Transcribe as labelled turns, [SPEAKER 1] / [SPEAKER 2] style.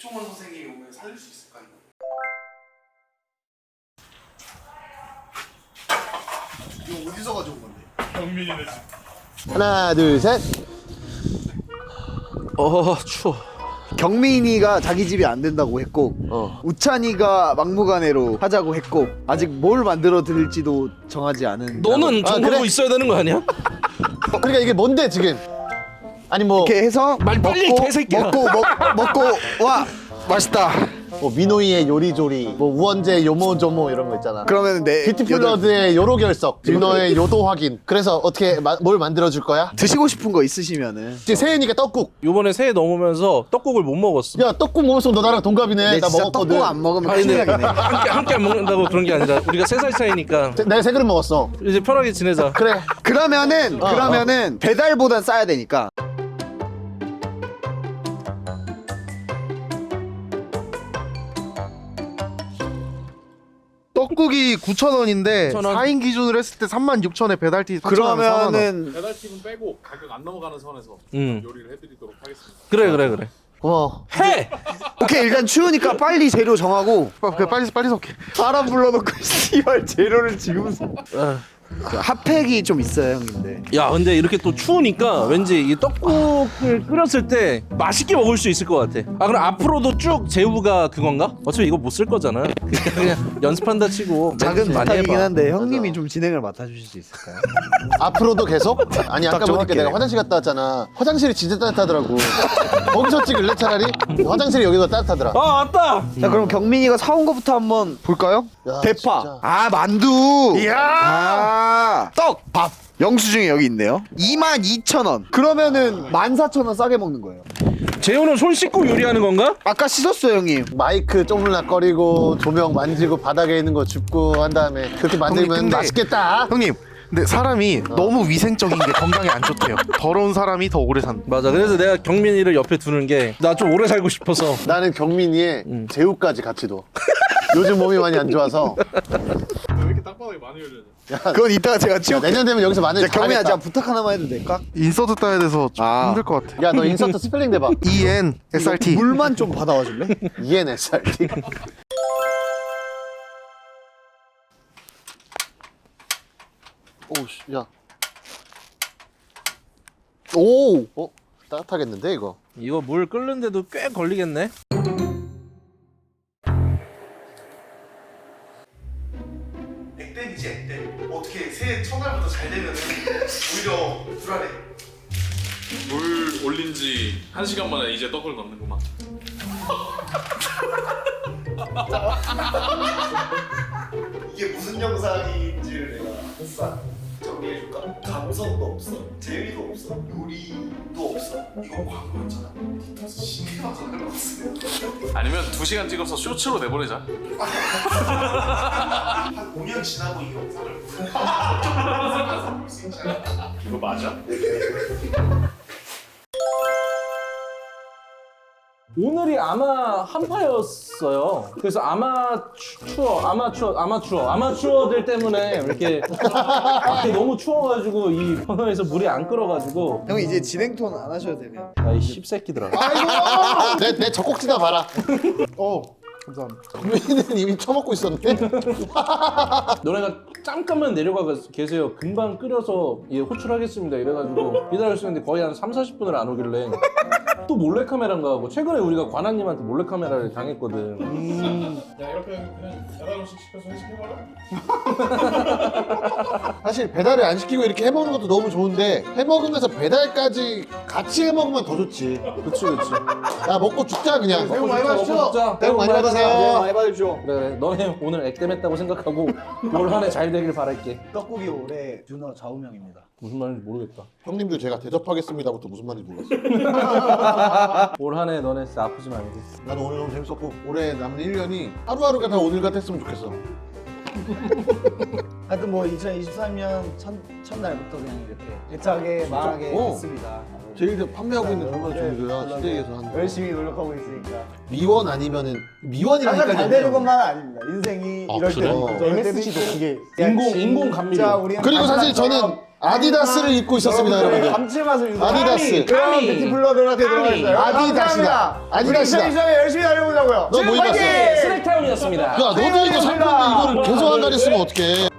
[SPEAKER 1] 백종원 선생님이 오면 살릴 수 있을까요? 이거 어디서 가져온 건데?
[SPEAKER 2] 경민이네 집.
[SPEAKER 3] 하나 둘 셋.
[SPEAKER 2] 추워.
[SPEAKER 4] 경민이가 자기 집이 안 된다고 했고 우찬이가 막무가내로 하자고 했고 아직 뭘 만들어 드릴지도 정하지 않은.
[SPEAKER 2] 너는 정보고
[SPEAKER 3] 그래?
[SPEAKER 2] 있어야 되는 거 아니야?
[SPEAKER 3] 그러니까 이게 뭔데 지금? 아니 뭐
[SPEAKER 4] 이렇게 해서
[SPEAKER 2] 말 빨리
[SPEAKER 4] 먹고,
[SPEAKER 2] 개새끼야.
[SPEAKER 4] 먹고 와 맛있다.
[SPEAKER 3] 뭐 민호이의 요리조리, 뭐 우원재 요모조모 이런 거 있잖아.
[SPEAKER 4] 그러면 내
[SPEAKER 3] 뷰티플러드의 요로 결석, 윤호의 요도 확인. 그래서 어떻게 뭘 만들어 줄 거야?
[SPEAKER 4] 드시고 싶은 거 있으시면은
[SPEAKER 3] 이제 새해니까 떡국.
[SPEAKER 2] 요번에 새해 넘으면서 떡국을 못 먹었어.
[SPEAKER 3] 야 떡국 먹었어. 너 나랑 동갑이네.
[SPEAKER 4] 내
[SPEAKER 3] 나
[SPEAKER 4] 진짜
[SPEAKER 3] 먹었거든.
[SPEAKER 4] 떡국 안 먹으면
[SPEAKER 2] 아니
[SPEAKER 4] 큰일
[SPEAKER 2] 근데
[SPEAKER 4] 나겠네.
[SPEAKER 2] 함께 안 먹는다고 그런 게 아니라 우리가 3살 차이니까
[SPEAKER 3] 내가 세 그릇 먹었어.
[SPEAKER 2] 이제 편하게 지내자.
[SPEAKER 3] 그래.
[SPEAKER 4] 그러면은 배달보단 싸야 되니까
[SPEAKER 5] 떡국이 9,000원인데
[SPEAKER 2] 9,000원.
[SPEAKER 5] 4인 기준으로 했을 때 36,000원에 배달티 4,000원.
[SPEAKER 4] 그러면은
[SPEAKER 6] 배달팁은 빼고 가격 안 넘어가는 선에서 요리를 해드리도록 하겠습니다.
[SPEAKER 2] 그래.
[SPEAKER 3] 고마워.
[SPEAKER 2] 해!
[SPEAKER 4] 오케이 일단 추우니까 빨리 재료 정하고
[SPEAKER 5] 빨리 섞게.
[SPEAKER 4] 사람 불러놓고 씨발 재료를 지금 그 핫팩이 좀 있어요 형님들.
[SPEAKER 2] 야 근데 이렇게 또 추우니까 왠지 이 떡국을 끓였을 때 맛있게 먹을 수 있을 것 같아. 아 그럼 앞으로도 쭉 재우가 그건가? 어차피 이거 못 쓸 거잖아. 그냥 연습한다 치고
[SPEAKER 4] 작은
[SPEAKER 2] 멘트 많이
[SPEAKER 4] 부탁이긴
[SPEAKER 2] 해봐.
[SPEAKER 4] 한데 형님이 좀 진행을 맡아주실 수 있을까요?
[SPEAKER 3] 앞으로도 계속? 아니 아까
[SPEAKER 4] 좀
[SPEAKER 3] 보니까
[SPEAKER 4] 할게.
[SPEAKER 3] 내가 화장실 갔다 왔잖아. 화장실이 진짜 따뜻하더라고. 거기서 찍을래 차라리? 화장실이 여기가 따뜻하더라.
[SPEAKER 2] 아 맞다!
[SPEAKER 4] 자 그럼 경민이가 사온 거부터 한번 볼까요?
[SPEAKER 3] 야,
[SPEAKER 4] 대파.
[SPEAKER 3] 진짜.
[SPEAKER 4] 아 만두. 이야. 떡. 밥. 영수증이 여기 있네요. 22,000원. 그러면은 14,000원 싸게 먹는 거예요.
[SPEAKER 2] 재우는 손 씻고 요리하는 건가?
[SPEAKER 4] 아까 씻었어요 형님.
[SPEAKER 3] 마이크 쪼물락거리고 조명 만지고 바닥에 있는 거 줍고 한 다음에 그렇게 만들면
[SPEAKER 5] 형님, 근데-
[SPEAKER 3] 맛있겠다.
[SPEAKER 5] 형님, 근데 사람이 너무 위생적인 게 건강에 안 좋대요. 더러운 사람이 더 오래 산다.
[SPEAKER 2] 맞아. 그래서 내가 경민이를 옆에 두는 게 나 좀 오래 살고 싶어서.
[SPEAKER 3] 나는 경민이의 제우까지 같이 둬. 요즘 몸이 많이 안 좋아서.
[SPEAKER 6] 왜 이렇게 땅바닥에 많이 열려냐?
[SPEAKER 4] 그건 이따가 제가
[SPEAKER 3] 야,
[SPEAKER 4] 치울게.
[SPEAKER 3] 내년 되면 여기서 마늘
[SPEAKER 4] 경민아
[SPEAKER 3] 잘하겠다.
[SPEAKER 4] 제가 부탁 하나만 해도 될까?
[SPEAKER 5] 인서트 따야 돼서 좀
[SPEAKER 4] 아.
[SPEAKER 5] 힘들 것 같아.
[SPEAKER 3] 야, 너 인서트 스펠링 대봐.
[SPEAKER 5] EN SRT.
[SPEAKER 4] 물만 좀 받아와 줄래?
[SPEAKER 3] ENSRT. 오우씨, 야. 오! 따뜻하겠는데, 이거?
[SPEAKER 2] 이거 물 끓는데도 꽤 걸리겠네.
[SPEAKER 1] 액땜이지 액땜. 어떻게 새해 첫날부터 잘 되면은 오히려 불안해.
[SPEAKER 6] 물 올린 지 1시간 만에 이제 떡을 넣는구만.
[SPEAKER 1] 이게 무슨 영상인지를 내가 싹 정리해줄까? 감성도 없어, 재미도 없어, 요리도 없어. 이거 광고였잖아. 디톡스 신기하잖아.
[SPEAKER 6] 아니면 2시간 찍어서 쇼츠로 내보내자.
[SPEAKER 1] 한 5년 지나고 이 영상을 볼수 있잖아.
[SPEAKER 6] 이거 맞아?
[SPEAKER 2] 오늘이 아마 한파였어요. 그래서 아마추어들 때문에 이렇게 밖에 너무 추워가지고 이 버너에서 물이 안 끓어가지고.
[SPEAKER 4] 형 이제 진행 톤 안 하셔도 되면.
[SPEAKER 2] 야이 씹새끼들아.
[SPEAKER 3] 아이고! 내 젖꼭지나 봐라.
[SPEAKER 5] 감사합니다.
[SPEAKER 3] 경민이는 이미 처먹고 있었네.
[SPEAKER 2] 너네가 잠깐만 내려가 계세요. 금방 끓여서 예, 호출하겠습니다. 이래가지고 기다렸었는데 거의 한 30-40분을 안 오길래 또 몰래카메라인가 하고 최근에 우리가 관아님한테 몰래카메라를 당했거든.
[SPEAKER 6] 야 이렇게 그냥 배달 음식 시켜서 회식해봐라.
[SPEAKER 3] 사실 배달을 안 시키고 이렇게 해먹는 것도 너무 좋은데 해먹으면서 배달까지 같이 해먹으면 더 좋지.
[SPEAKER 2] 그치.
[SPEAKER 3] 야, 먹고 죽자, 그냥.
[SPEAKER 2] 새해 복 많이 받으시죠.
[SPEAKER 3] 새해 복 많이 받으세요.
[SPEAKER 4] 많이 받으십시오.
[SPEAKER 2] 그래. 너네 오늘 액땜했다고 생각하고 올 한 해 잘 되길 바랄게.
[SPEAKER 4] 떡국이 올해 준호 좌우명입니다.
[SPEAKER 2] 무슨 말인지 모르겠다.
[SPEAKER 3] 형님들 제가 대접하겠습니다부터 무슨 말인지 몰랐어.
[SPEAKER 2] 올 한 해 너네 진짜 아프지 말고.
[SPEAKER 3] 나도 오늘 너무 재밌었고 올해 남은 1년이 하루하루가 다 오늘 같았으면 좋겠어.
[SPEAKER 4] 하여튼 뭐 2023년 첫날부터 그냥 이렇게 대차게 말하게 했습니다.
[SPEAKER 3] 제일 판매하고 있는 정말 종류야. 시대에서 한
[SPEAKER 4] 열심히 노력하고 있으니까.
[SPEAKER 3] 미원 아니면은 미원이라니까.
[SPEAKER 4] 항상 잘 되는 것만은 아닙니다. 인생이
[SPEAKER 3] 아,
[SPEAKER 4] 이럴
[SPEAKER 3] 그래?
[SPEAKER 4] 때도 있고 저럴 때도
[SPEAKER 5] MSG도
[SPEAKER 4] 있고.
[SPEAKER 5] 그게
[SPEAKER 2] 인공 감미료.
[SPEAKER 4] 진짜 우리는
[SPEAKER 3] 그리고 사실 저는
[SPEAKER 4] 마지막처럼
[SPEAKER 3] 아디다스를 입고 있었습니다, 여러분들.
[SPEAKER 4] 감칠맛을 유도.
[SPEAKER 3] 아디다스.
[SPEAKER 4] 그럼 뷰티블러들한테 들어가 있어요.
[SPEAKER 3] 아디다스다. 아디다스다.
[SPEAKER 4] 시장에 열심히 달려보자고요.
[SPEAKER 3] 너 뭐 입었어?
[SPEAKER 2] 스낵타운이었습니다.
[SPEAKER 3] 야, 너도 이거 살 건데 이거를 계속 안 가렸으면 어떡해.